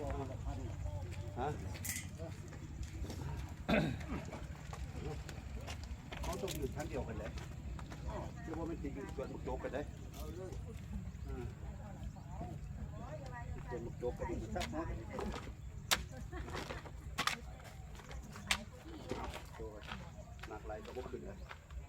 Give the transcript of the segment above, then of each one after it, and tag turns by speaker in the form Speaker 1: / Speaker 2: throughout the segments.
Speaker 1: ฮะเขาต้องอยู่ชั้นเดียวกันเลยหรือว่ามันจะอยู่ส่วนมุกโจกกันได้ส่วนมุกโจกกันอยู่สักนะหนักไหลก็บุกขึ้นเลย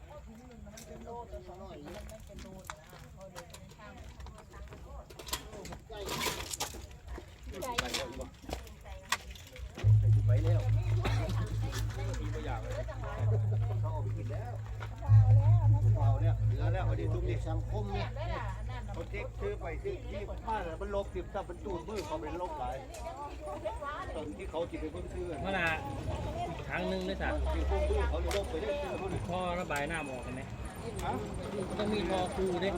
Speaker 1: ไปแล้วมีตัวอย่างเลยเขาเอาไปกินแล้วเอาเนี่ยเหลือแล้วเอาดีทุกนี่สังคมเนี่ยเขาเช็คซื้อไปซื้อที่มาแล้วมันลบติดถ้ามันตูดมือเขาเป็นลบหลายตอนที่เขาจิบไปเพิ่งซื้อ
Speaker 2: เมื่อน่ะครั้งหนึ่งเลยสัตว์
Speaker 1: ที่พวกมือเขาลบไปได้ซื้อเขาเนี่ย
Speaker 2: ท่อระบายน้ำออกเห็นไหมต้องมีท่อคูด้วย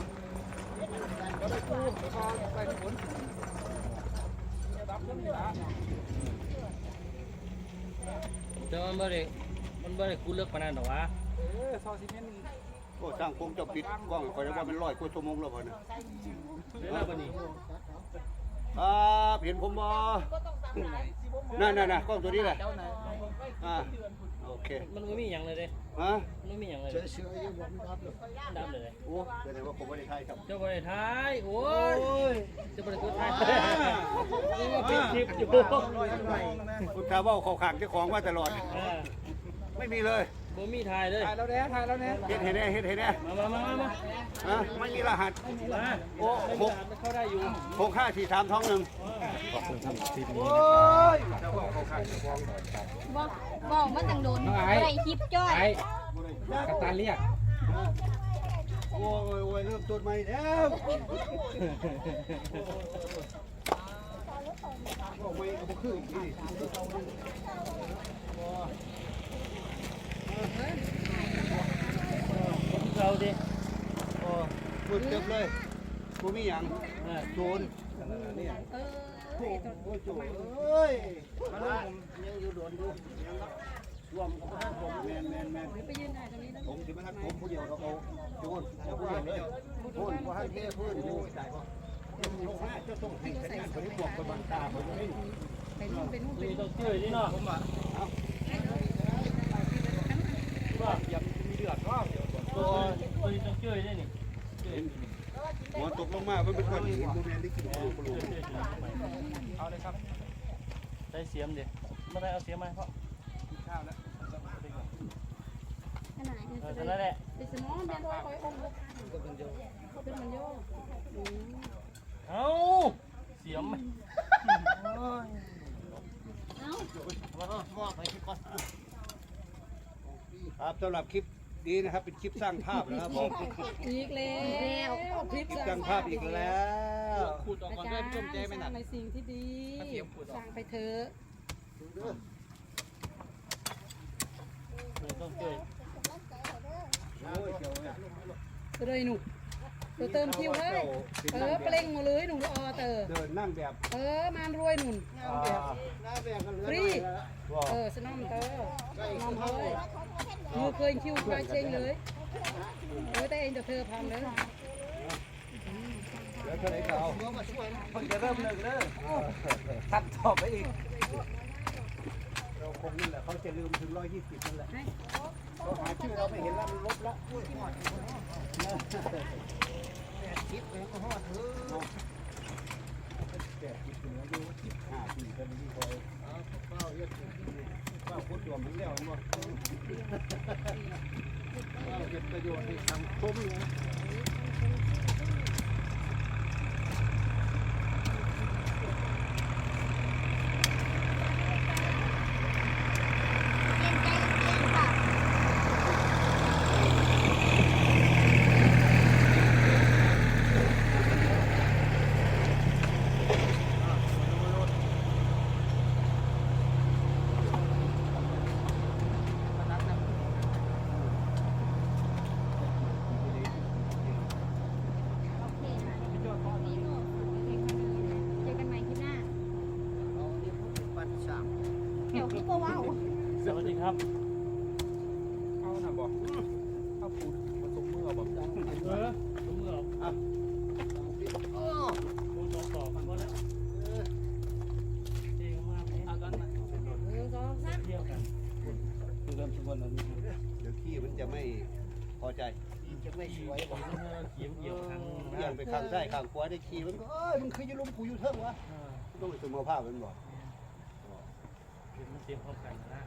Speaker 2: แต่มันไม่ได้คูเลิกปานนั้นหรอวะ
Speaker 1: ซอซีเมนต์โอ้ช่างคงจะปิดกล้องคอยว่ามัน100 กว่าชั่วโมงแล้วบ่เนี่ย
Speaker 2: แล้ววันนี้
Speaker 1: เห็นผมบ่นั่นกล้องตัวนี้แหละโอเค
Speaker 2: มันไม่มีอย่างเลยเด้มันไม่มีอย่างเลย
Speaker 1: เชื่อยังบ่มี
Speaker 2: ดับเลย
Speaker 1: โอ้แสดงว่าผมไม่ได้ถ่ายครับ
Speaker 2: เจ้าบริไทยโอ้ยเจ้าบริไทยนี่ว่าเป็นคลิปอยู่
Speaker 1: คุณตาว่าเขาขังเจ้าของว่าตลอดไม่มีเลย
Speaker 2: บ่มีถ่ายเลย
Speaker 3: ถ่ายแล้วแน่เ
Speaker 1: ห็นแน่ไม่มีรหัสโอ้
Speaker 2: เข้าได้อยู่
Speaker 1: 6543ท้องหนึ่งโอ้ย
Speaker 4: บอกมันจังโดนอะไรคลิปจ้อย
Speaker 3: กัปตันเรียก
Speaker 1: โอ้ยเริ่มต้นใหม่แล้วไม่ก็คือนี่
Speaker 2: เราดิ
Speaker 1: โอ้มืดเต็มเลยกูมีอย่างโจรโอ้โจรเอ้ยมาแล้วผมยังอยู่โดนอยู่ยังรวมกับผมแมน
Speaker 4: ไปยืนถ่ายตรงนี้นะ
Speaker 1: ผมที่มาทักผมผู้เดียวเราเอาโจรจะพูดเลยพูดว่าให้เท่พูดอยู่ใจก็จะต้องให้สัญญาณคนที่บอกคนบางตาคนนี้
Speaker 4: ไปนู่น
Speaker 2: ต้องเชื่อนี่เนาะผมว่าอย่ามีเดือดก็ตัวต้องเชื่อได้นี่
Speaker 1: หัวตกลงมามันเป็นก้อนหินโมเมนต์ที่กินโอ้โห
Speaker 2: เอาเลยครับได้เสียมดิไม่ได้เอาเสียมมาเพราะ
Speaker 3: ข้าวแล้ว
Speaker 4: ขนาดนี้
Speaker 2: นั่นแหละ
Speaker 4: เป็นสมองเป็นตัวคอยองค์เป็นมันโย
Speaker 2: เอาเสียมไหม
Speaker 1: ครับสำหรับคลิปนี้นะครับเป็นคลิปสร้างภาพนะครับผม
Speaker 4: อีกแล้ว
Speaker 1: คลิปสร้างภาพอีกแล้ว
Speaker 3: ขูดออกก่อนด้วยพี่ต้มแจ้ไม่หนัก
Speaker 4: ในสิ่งที่ดีสร้างไปเถอะ
Speaker 2: ต้องเชื่อ
Speaker 4: เลยหนูเติมคิวเลยเปล่งมาเลยหนูเ
Speaker 1: ดินนั่งแบบ
Speaker 4: มารวยหนุนฟรีสนอมนอมเลยมือเคยคิวไปเชงเลยแต่เองจะเธอพร้อมเลย
Speaker 1: แล้วเท่าไหร่เก่า
Speaker 3: คนจะเริ่มหนึ่งเลยทัดต่อไปอีก
Speaker 1: เราคงนี่แหละเขาจะลืมถึง120นั่นแหละเขาหาชื่อเราไม่เห็นแล้วมันลบแล้วคลิปเลยก็ฮอดแต่คลิปเหนืออยู่15 ปีกันนี่คอยเป้าเยอะเป้าพูดตัวมันแล้วหมดเป้าเก็บประโยชน์ให้สังคมนะ
Speaker 2: สวัสดีครับ
Speaker 3: เอาหน่ะบอกเอาปูดมาตกมือเอาบอก
Speaker 2: ตกมือเอาปูต่อกันหมดแล้วที่ยวกันคือเริ่มทุกวันนั้น
Speaker 1: เดี๋ยวขี้มันจะไม่พอใจ
Speaker 3: จะไม่สวย
Speaker 2: ผมเขียวเกี่ยวทาง
Speaker 1: เบี่ยงไปข้างซ้ายข้างขวาได้ขี้มันก็มันคือจะลุมกูอยู่เทิงวะต้องไปสมภาพมันบอก
Speaker 2: มันเตรียมพร้อมกันนะ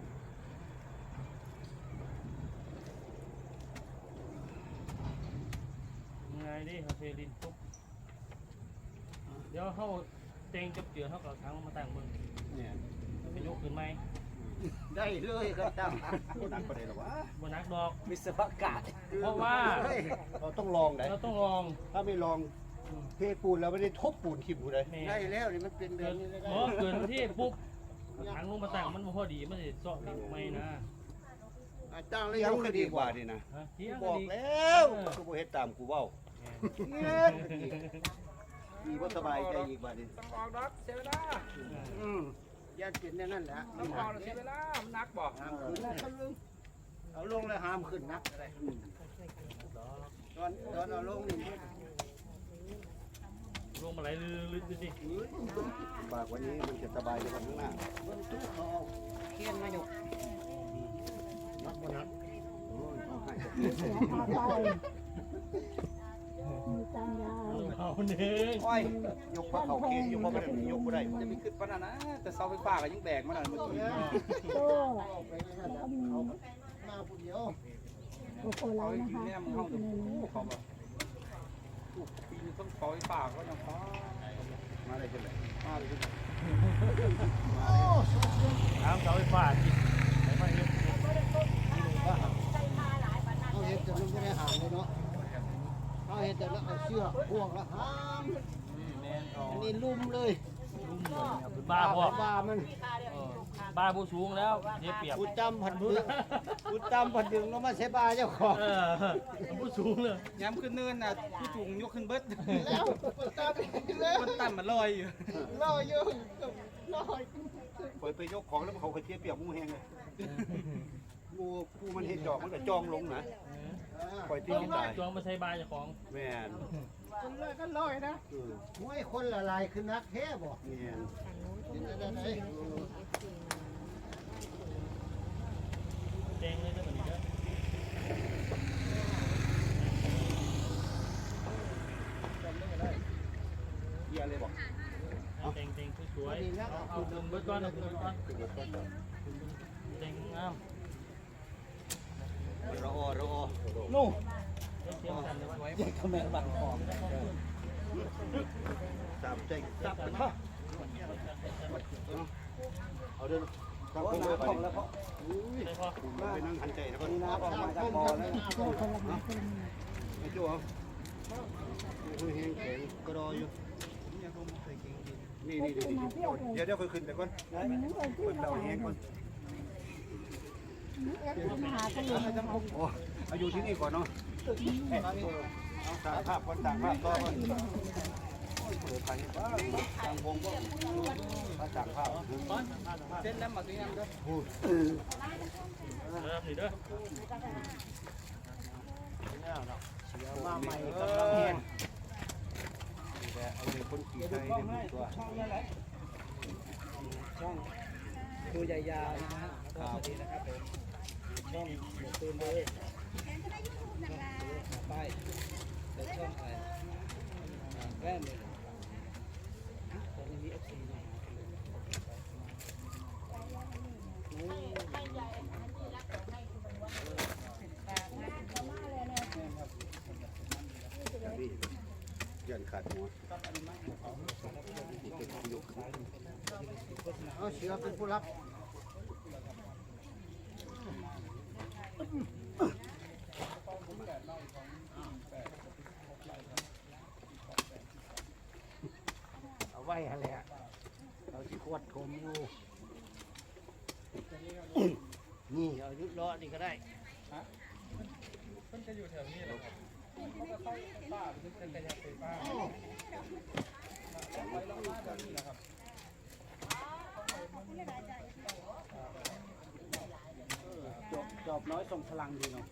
Speaker 2: ไงดิเขาเทดินปุ๊บเดี๋ยวเขาเต็งจับเจือเขากับทั้งมาตั้งมึง
Speaker 1: เนี่ย
Speaker 2: ไปยกขึ้นไหม
Speaker 1: ได้เลยครับตั้งนักประเดี๋ยววะ
Speaker 2: บนนักดอก
Speaker 3: วิศวกาศ
Speaker 2: เพราะว่า
Speaker 1: เราต้องลองไหน
Speaker 2: เราต้องลอง
Speaker 1: ถ้าไม่ลองเทปูนแล้วไม่ได้ทบปูนทิ่มกูเลย
Speaker 2: ได้
Speaker 1: แล้วนี่มันเป็นแบ
Speaker 2: เกิ
Speaker 1: บ
Speaker 2: ด
Speaker 1: นี้เลย
Speaker 2: เพราะเกิดที่ปุ๊บถังลงมาตั้งมันพอดีมันจะเจาะดินไม่นะ
Speaker 1: ตั้งเลยยังก็ดีกว่านี่นะ
Speaker 2: เที่ยง
Speaker 1: บอก
Speaker 2: ดี
Speaker 1: แล้วกูบ่เฮ็ดตามกูเว้าดีบ่สบายใจอีกบาดนี้
Speaker 3: ต้องออกดอกเสียเวลา
Speaker 1: ย่านเป็นนั่นแหละ
Speaker 3: ต้องออกเสียเวลามันนักบ่
Speaker 1: ห้ามขึ้นเอาลงแล้วห้ามขึ้นนักตอนเอาลงนี่
Speaker 2: ลงมาไหลลึกๆดูสิ
Speaker 1: ปากวันนี้มันจะสบายในวันข้างหน้าเบิ่งตู้เขาเอาเขียนมาอยู่นักบ่นักโอ้ยเขาให้
Speaker 2: เอาหนึ่ง
Speaker 1: โอ้ยยกพระเขาเขียนยกพระบ่ได้ยกบ่ได้
Speaker 3: จะมีขึ้นปานนั้นนะแต่เสาไฟฟ้าก็ยังแบกมาหน่อยเมื่อกี้
Speaker 1: เอาไปนั่นน่ะเขามาผู้เดียว
Speaker 3: เขากินแม่มึงห้องเขาแบบปีนึงต้องเสาไฟฟ้าก็ยังพอ
Speaker 1: มาได้จังได๋
Speaker 3: มาเลย
Speaker 2: น้ำเสาไฟฟ้าจิตไหนมาเยอะ
Speaker 1: เอาเฮ็ดจะมันบ่ได้หามเลยเนาะเอาเฮ็ดแต่ละเอาเชือกพ่วงละหาม
Speaker 2: แม่นเอา
Speaker 1: อันนี้ลุ่มเลย
Speaker 2: ลุ่มเลยครับบ้าพ่อ
Speaker 1: บ้ามัน
Speaker 2: บ้าผู้สูงแล้วเดี๋ยวเปรียบ
Speaker 1: กูจำผัดดึงกูจำผัดดึงแล้วมาใช้บ้าเจ้าของ
Speaker 2: ผู้สูงเลย
Speaker 3: ย้ำขึ้นเนินน่ะผู้จุงยกขึ้นเบิด
Speaker 1: แล้วกูจำแล้ว
Speaker 3: มันต่ำมันลอยอยู่
Speaker 1: ลอยอยู่ลอยปล่อยไปยกของแล้วเขาเคยเทียบเปียกมูแห้งเลยกูมันเห็นจอกมันก็จองลงนะปล่อยที่กินได้
Speaker 2: จองมาใช้บ้าเจ้าของ
Speaker 1: แม่น
Speaker 3: คนลอยก็ลอยนะ
Speaker 1: มวยคนละลายคือนักแท้บ่แม่นไหน
Speaker 2: เต็งเลยจะเหมือนนี้เด้อ
Speaker 1: เยี่ยเลยบ่
Speaker 2: เต็งสวยเอาคุณเบิร์ดก้อนเอาคุณเบิร์ดก้อนเต็งงาม
Speaker 1: รอนู่
Speaker 2: เทียมกันเลยว่า
Speaker 3: แยกกระแมงบังหอม
Speaker 1: ตามใจจับมันฮะเอาเดินทางโค้งไปแล้วพ่อ
Speaker 2: ใช่พ่อ
Speaker 1: ไปนั่งหันใจแล้วก็
Speaker 3: น้ำออกมาจากบ่อแล้ว
Speaker 1: ไอ้จู่เหรอคุยแห้งแข็งก็รออยู่นี่เดี๋ยวค่อยขึ้นไปก่อนขึ้นเราแห้งก่อนโอ้เอาอยู่ที่นี่ก่อนเนาะเอาต่างภาพก่อนต่างภาพต่อก่อนเปิดไฟบ้างต่างวงก็มาต่างภาพ
Speaker 3: เส้นน้ำมาตัวนี้ด้วย
Speaker 1: พูด
Speaker 2: เริ่มนี่เด้อ
Speaker 1: มาใหม่กำลังเห็นแต่เอาเลยคนขี่ไทยเต็มตัว
Speaker 3: ช่องตัวใหญ่ๆนะฮะสวัสดีนะครับผมช่องหมูตูนเลยไปเดี๋ยวช่องอะไรแว่นเลยตอนนี้ FC นะ
Speaker 1: ยันขาดหัวเอาเชือเป็นผู้รับเอาไว้อะไรอ่ะเราที่ขวดคมอยู่นี่เอายุดล้อนี่ก็ได้
Speaker 3: มันจะอยู่แถวนี้เหรอครับเขาก็เข้าป้าเป็นกระยาไฟฟ้าไปแล้วมาแบบนี้นะครับจอบน้อยส่งพลังดีเนาะ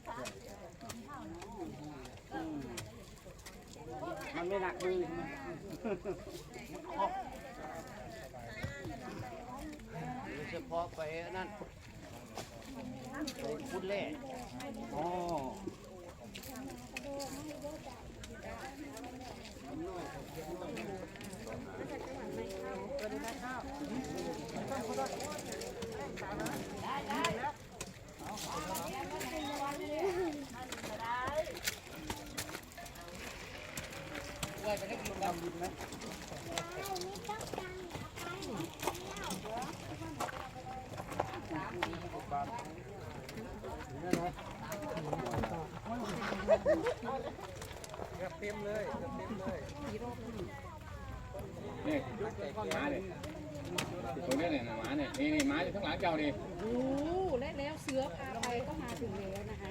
Speaker 3: มันไม่หนักมือใช่ไหม
Speaker 1: เฉพาะไปนั่นไปพุดแร่
Speaker 3: อ๋อ เต็มเลยเต็มเลย
Speaker 5: นี่ม้าเนี่ยตัวนี้เนี่ยม้าเนี่ยนี่ม้าอยู่ข้างหลังเจ้านี่
Speaker 4: โอ้และแล้วเสือพาไปก็มาถึงแล้วนะคะ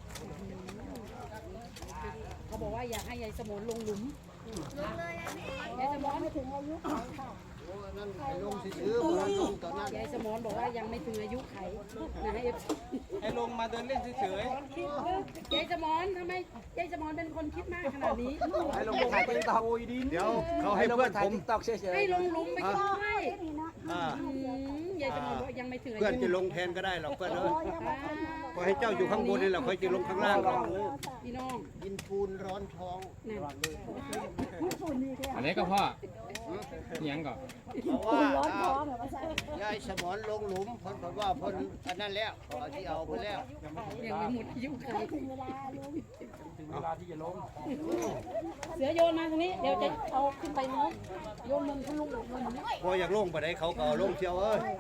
Speaker 4: เขาบอกว่าอยากให้ยายสมนลงหลุมยายสมนไม่ถึงอายุไขค่ะ
Speaker 1: โอ้นั่นไปลงซื้อมาลงตอนนั้น
Speaker 4: ยายสมนบอกว่ายังไม่ถึงอายุไขนะเอฟ
Speaker 3: ให้ลงมาเดินเล่นเฉย
Speaker 4: ยายสมนทำไมยายสมนเป็นคนคิดมากขนาดนี้
Speaker 3: ๆให้ลงไปถ่ายติ๊กต็อก
Speaker 1: เดี๋ยวเขาให้เพื่อน
Speaker 3: ถ่า
Speaker 1: ผ
Speaker 3: ย
Speaker 1: ม
Speaker 3: ติ๊กต็อกเฉย
Speaker 4: ให้ลงหลุมไปช่วย
Speaker 1: อ่าย
Speaker 4: ายสมนบอกยังไม่ถึงอายุ
Speaker 1: เพื่อนจะลงแทนก็ได้หรอกเพื่อนเอ้ยก็ให้เจ้าอยู่ข้างบนนี่แหละค่อยจะลงข้างล่างหรอก
Speaker 4: พี่น้อง
Speaker 1: กินปูนร้อนท้อง
Speaker 4: นั่น
Speaker 5: อันนี้ก็พ่อยังก่อน
Speaker 1: เพราะว่ายายสมอนลงหลุมเพิ่นบอกว่าเพิ่นอันนั้นแล้วเอาที่เอาเพิ่นแล้ว
Speaker 4: ยังไม่หมดอายุไข
Speaker 3: ๆถึงเวลาที่จะลง
Speaker 4: เสือโยนมาทางนี้เดี๋ยวจะเอาขึ้นไปนู้นโยนมันขึ้นลุงโยนมันนี้
Speaker 1: พออยากลงไปได้เขาก็เอาลงเชียวเอ้ย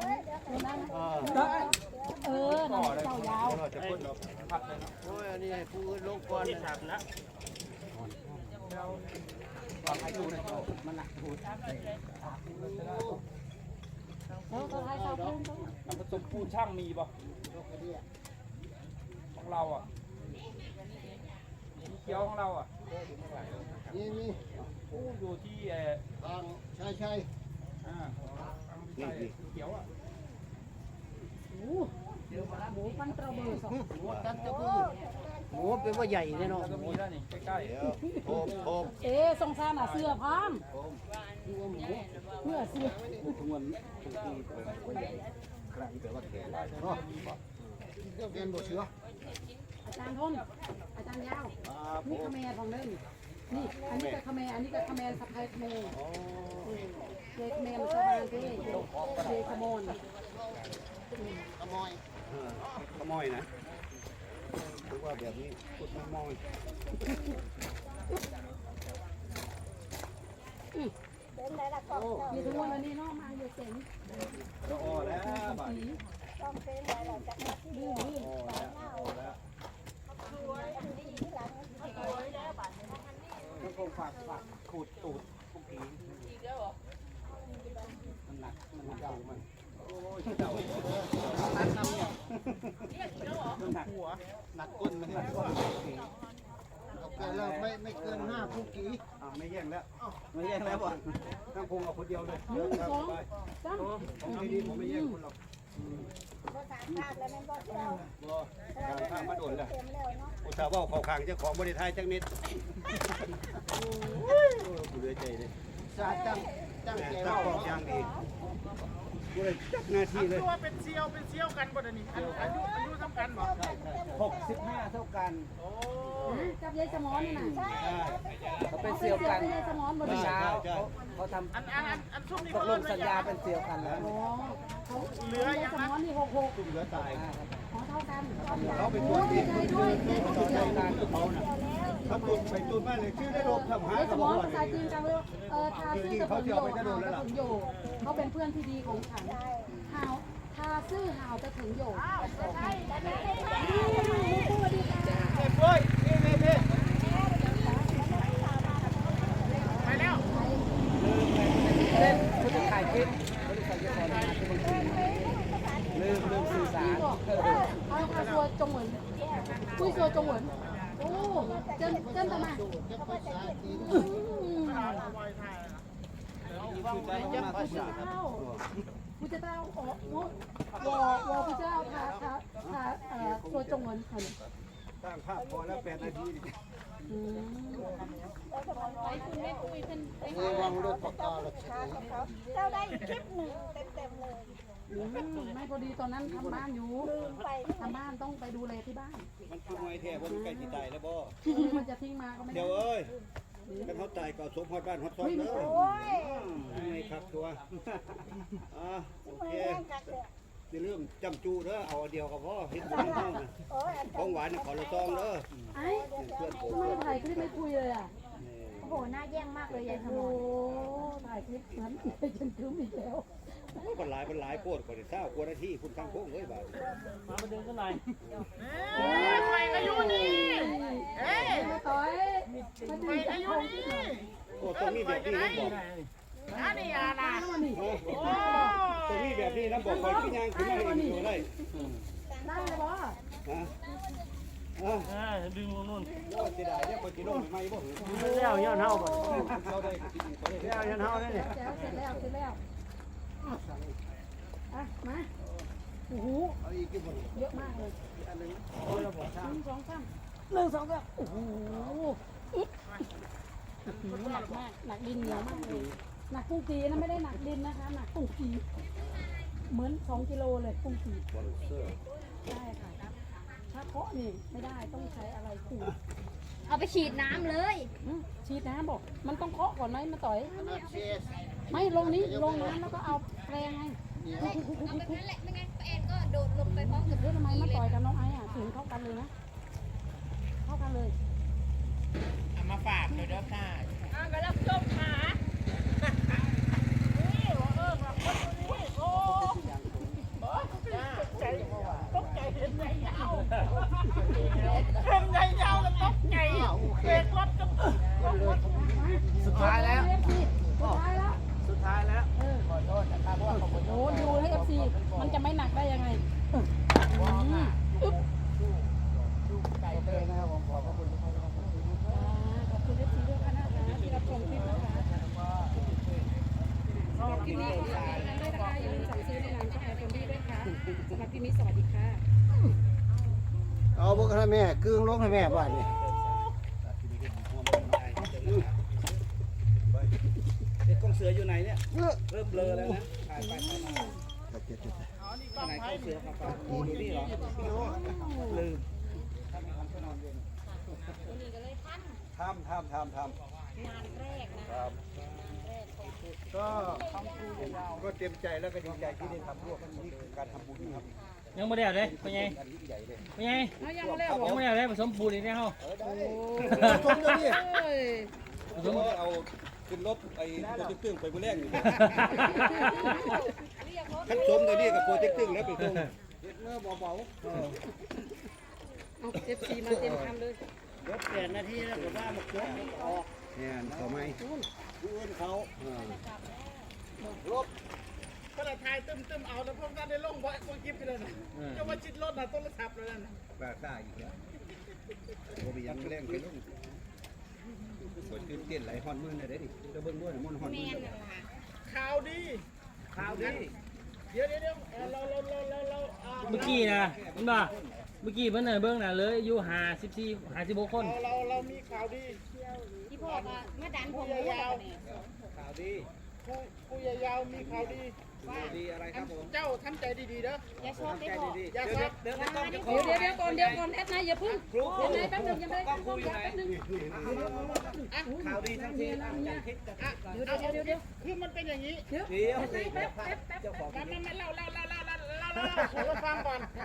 Speaker 4: เออนั่นเจ้ายาว
Speaker 1: เราจะพ้นหรอกโอ้ยอันนี้ให้ผู้อื่นลงก่อนนะ
Speaker 3: มันหนักหู
Speaker 4: แล้วก็ให้เขาขึ้น
Speaker 3: น้ำผสมปูนช่างมีป่ะของเราอ่ะเขียวของเราอ่ะ
Speaker 1: นี่
Speaker 3: อยู่ที่
Speaker 1: ทางใช่
Speaker 3: เขียวอ่ะ
Speaker 4: หมูปั้นตระเบิดสอง
Speaker 1: หมูตันตะบือหมูเป็นว่าใหญ่แน่นอน
Speaker 3: ก็มีแล้วนี่ใกล้
Speaker 1: เดี๋ยวโทม
Speaker 4: สงสารเสือพามเพื่อเสือ
Speaker 1: ทุกวันใครแต่ว่าแก่ได้เนาะเรียนบทเสือ
Speaker 4: อาจารย์ทนอาจารย์ยาวนี่ขแมรของเล่นนี่อันนี้ก็ขแมรอันนี้ก็ขแมรสะพายขแมรเจขแมรชาวบ้านที่เจขโมน
Speaker 1: ขโมยขโมยนะถือว่าแบบนี้พูดขโมย
Speaker 4: มีทุกวันวันนี้น้องมาอยู่เจ๋ง
Speaker 1: ก็อ้อแล้วบ้าน
Speaker 4: ดื้อ
Speaker 1: แล้วต้องคงฝากขูดตูดพวกผีมันหนักมันเก่ามันโอ้ยเก่าตัดน้ำเนี่ยมันหนักหัวหนักก้นมันหนักก้นโอเคแล้วไม่เกิน5คุกกี้ไม่แย่งแล้วไม่แย่งแล้วบ่ต้องคงเอาคนเดียวเลยเยอะครับไป
Speaker 4: จ้า
Speaker 1: ผมดีผมไม่แย่งคุณหรอกบ่ทางภาคมาโดนแล้วอุตส่าห์ว่าเขาขางเจ้าของบริไทยจังนิดโอ้ยกูเหลือใจเลยตั้งกองยางดีกูเลยจักหน้าที่เลย
Speaker 6: ตัวเป็นเซียวกันบ่เดี๋ยวนี้อายุซ้ำกันบ่
Speaker 3: 65เท่ากัน
Speaker 4: จับยายสมอนนี่น่ะ
Speaker 3: เขาเป็นเซียวกัน
Speaker 4: ยายสมอนบน
Speaker 3: เมื่อ
Speaker 4: นี้
Speaker 3: เช้าเขาทำ
Speaker 6: อันช่วงนี้
Speaker 3: ตกลงสัญญาเป็นเซียวกันแล้ว
Speaker 4: อ๋อเขาเหลือยายสมอนนี่66
Speaker 1: ตุ้มเหลือตาย
Speaker 4: ของเท่ากัน
Speaker 1: เขาเป็นตัวดีเขาใจการเขาน่ะเขาตุนไปตุนมาเลยชื่อได้โดนทำหาย
Speaker 4: ยายส
Speaker 1: กับ
Speaker 4: ม
Speaker 1: ผ
Speaker 4: อน
Speaker 1: ม
Speaker 4: ภาษาจีนจังเลยทาซื่อกระสุนโยกหาวกระสุนโยกเขาเป็นเพื่อนที่ดีของฉันหาวทาซื่อหาวจะถึงโยกสวัสดีค่ะ
Speaker 1: เฮ้ยนี่
Speaker 6: ไปแล้ว
Speaker 3: เล่นคุณจะถ่ายคลิปบริษัทจะขอมาเป็นบางทีลืมสื่อสาร
Speaker 4: เอาตัวจงเหมือนคุยตัวจงเหมือนโอ้เจิ้นทำไม
Speaker 1: ยังภาษา
Speaker 4: ผู้เจ้าอ๋อวอผู้เจ้าทาตัวจงเหมือนค่ะ
Speaker 1: ตั้งภาพพอแล้ว8 นาทีระวังรถปากกาหรอก
Speaker 7: เจ้าได้อีกคลิปหนึ่งเต็มๆเลย
Speaker 4: ไม่พอดีตอนนั้นทำบ้านอยู่ทำบ้านต้องไปดูแลที่บ้าน
Speaker 1: มันคือไม้แท้ว่ามันใกล้ที่ตายแล้วบ่
Speaker 4: มันจะทิ้งมาก็ไม่ได้
Speaker 1: เดี๋ยวเอ้ยกันเขาตายก็สมฮอดบ้านฮอดซอยเด้อไม่ครับตัวโอเคในเรื่องจำจูเด้อเอาเดียวกับพ่อเฮ็ดบุญห้องนะของหวานขอละซองเด้อ
Speaker 4: ไอ้
Speaker 1: เพื่อนผม
Speaker 4: ไม่ถ่ายคลิปไม่คุยเลยอ่ะ
Speaker 7: โอ้โหหน้าแย่งมากเลยยายสม
Speaker 4: โอ้
Speaker 7: ร
Speaker 4: ถ่ายคลิปนั้นจนคืมอีกแล้ว
Speaker 1: คนหลายโพดกว่าได้20กว่านาทีคุณทางโค้งเอ้ยบาด
Speaker 2: มาเดินกันหน่อย
Speaker 6: ไปอายุนี่เอ้ย
Speaker 4: มาต่อย
Speaker 6: ไปอายุนี่
Speaker 1: โอ้ตรงนี้แบบนี้นะบอก
Speaker 6: นี่อ่ะนะ
Speaker 1: ตรงนี้แบบนี้นะบอกคอยขึ้นย่างขึ้นมาให้อยู่ได้
Speaker 4: ได้เลยบ่
Speaker 2: ดึงนู่น
Speaker 1: โอ้เสียดายเนี่ยคนที่ลงใหม่บ่
Speaker 2: แล้วย้อนเฮาบ่
Speaker 1: เขาได้แล้วยันเฮาได้เนี่ย
Speaker 4: เสร็จแล้วอ่ะมาโอ้โห
Speaker 1: เอาอีกกี่คน
Speaker 4: เยอะมากเลย
Speaker 1: อันนึง
Speaker 4: 1 2 3 1 2 3โอ้โหหนักมากหนักดินเหนียวมากเลยหนักกุ้งกีนะไม่ได้หนักดินนะคะหนักกุ้งกีเหมือน2 กิโลเลยกุ้งกีใช่ค่ะถ้าเคาะนี่ไม่ได้ต้องใช้อะไรขูด
Speaker 7: เอาไปฉีดน้ำเลย
Speaker 4: ฉีดน้ำบอกมันต้องเคาะก่อนไหมมาต่อยไม่ลงนี้ลงน้ำแล้วก็เอาแปรงไง
Speaker 7: เอาแบบนั้นแหละไม่งั้นป้าแอนก็โดดลงไปพร้อมกับ
Speaker 4: เฮ้ยทำไมมาต่อยกับน้องไอ้อ่ะถึงเข้ากันเลยนะเข้ากันเลย
Speaker 6: เอามาฝากเลยเด้อค่ะ
Speaker 7: กำลังจมขา
Speaker 6: นี่ว่าว่าคนนี้โอ้ตกใจเห็นไงยาวเห็นไงยาวแล้วตกใจเบรกรถจะ
Speaker 3: สุดท้ายแล้ว
Speaker 4: สุดท้ายแล้ว
Speaker 3: ขอโทษนะครับเพราะว่าผม
Speaker 4: โอ้ดูให้เอฟซีมันจะไม่หนักได้ยังไง
Speaker 3: ไก่เต้นะครับผมขอบพระคุณทุกท่านนะครับ
Speaker 4: ขอบคุณเอฟซีด้วยค่ะนะคะที่รับชมคลิปนะคะสำหรับคลิปนี้ขอฝากกันด้วยนะคะอย่าลืมสั่งซื้อในร้านช่องแอร์คนดีด้วยค่ะสำหรับคลิปนี้สวัสดีค่ะ
Speaker 1: เอาพวกให้แม่กึ่งลงให้แม่บ้านนี่
Speaker 3: เด็กกองเสืออยู่ไหนเนี่ยเริ่มเบลอแล้วนะถ่ายไปถ่ายมาไหนกองเสือครับดูนี่เหรอลืมทำ
Speaker 1: ก็เต็มใจแล้วก็ดีใจที่ได้ทำร่วมนี่คือการทำบุญครับ
Speaker 2: ยังบ่ได้เอาเด้เป็นไง
Speaker 1: การยิ่งใหญ่เลย
Speaker 2: เป็นไง
Speaker 4: เอายังมาแล้ว
Speaker 2: ยังบ่ได้เอาเด้ผสมปูนอีกแล้วเฮา
Speaker 1: ชมเลยนี่
Speaker 4: เอ้ย
Speaker 2: ผสม
Speaker 1: เอาขึ้นรถไอ้โปรเจกต์ตึ้งไปมื้อแรกอยู่ขั้นชมตัวนี้กับโปรเจกต์ตึ้งแล้วไปส่งเฮ็ดเนื้อเบา
Speaker 4: เอาเอฟซีมาเต็มคำเลย
Speaker 3: เดี๋ยวเปลี่ยนนาทีแล้วผมว่ามาโค้งออก
Speaker 1: ๆเนี่ยเขาไม่ดูนเขาลบ
Speaker 6: ก็เลยทายตึมเอาแล้วพวกนั้นได้ลงบ่อยคนกิฟไปเลยนะจะมาจิตรถนะโทรศัพท์เลยนะ
Speaker 1: ปลาซ่าอีกแล้วโอ้ยยังแรงไปลงกดตื่นเต้นไหลฮอนมือน่ะเด้ดิจะเบิ่งด้วยมันฮอนมือ
Speaker 6: ข่าวดี
Speaker 3: ข่าวดี
Speaker 6: เดี๋ยวเรา
Speaker 2: เมื่อกี้นะมันบ่เมื่อกี้เพิ่นน่ะเบิ่งน่ะเลยอายุ54 56คน
Speaker 6: เรามีข่าวดี
Speaker 7: ที่พ่อก็มาดันผม
Speaker 6: ผู้ยาว
Speaker 3: ข่าวดี
Speaker 6: ผู้ยาวมีข่าวดี
Speaker 3: ข่าวดีอะไรครับผม
Speaker 6: เจ้าทำใจดีๆเด้อ
Speaker 7: อย่าชอบได้พ่อ
Speaker 3: เดี๋ยวเดี๋ยวต้องจะขอ
Speaker 4: เดี๋ยวก่อนแอดนายอย่าพึ่งแอดนายแป๊บนึงยังไม่ได้ตั้งกล้องแป๊บนึง
Speaker 3: ข่าวดีทั้งทียังคิดจะ
Speaker 4: เดี๋ยว
Speaker 6: คือมันเป็นอย่างนี้
Speaker 3: เดี๋ยวเจ้าของ
Speaker 6: ไม่เล่าให้เราฟังก่อน